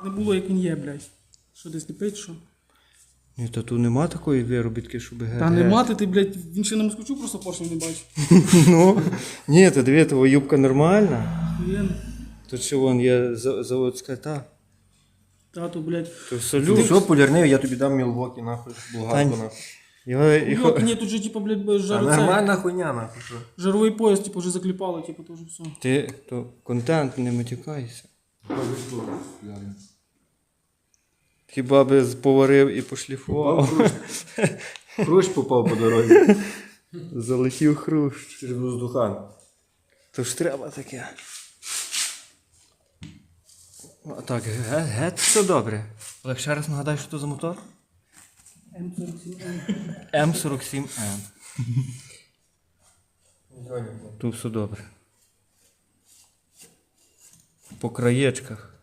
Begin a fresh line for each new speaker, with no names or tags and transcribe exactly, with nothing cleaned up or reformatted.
не було, як він є, блядь. Що десь не пить, що?
Ні, та тут нема такої виробітки, щоб ге.
Та не мати ти, блядь, він ще на москвичу просто поршень не бачив.
Ну, ні, то диви, твоя юбка нормальна.
Він,
Тут що вон є за- заводська та.
тату, блядь.
То
Ти
салют.
що, полірнив, я тобі дам Мілвокі, нахуй, болгарку,
Тань.
нахуй.
Його, його...
Йок, ні, тут же, типу, блядь,
Та
жару, цей,
нормальна хуйня, нахуй, що?
жаровий пояс, типу, вже закліпали, типу, то вже все.
Ти то контент, не матюкайся. Хіба би поварив і пошліфував.
Хрущ попав по дорозі.
Залетів хрущ.
Через воздухан.
То ж треба таке. А так, ге- геть все добре. Олег, ще раз нагадай, що то за мотор?
М сорок сім М.
М сорок сім М. Тут все добре. По краєчках.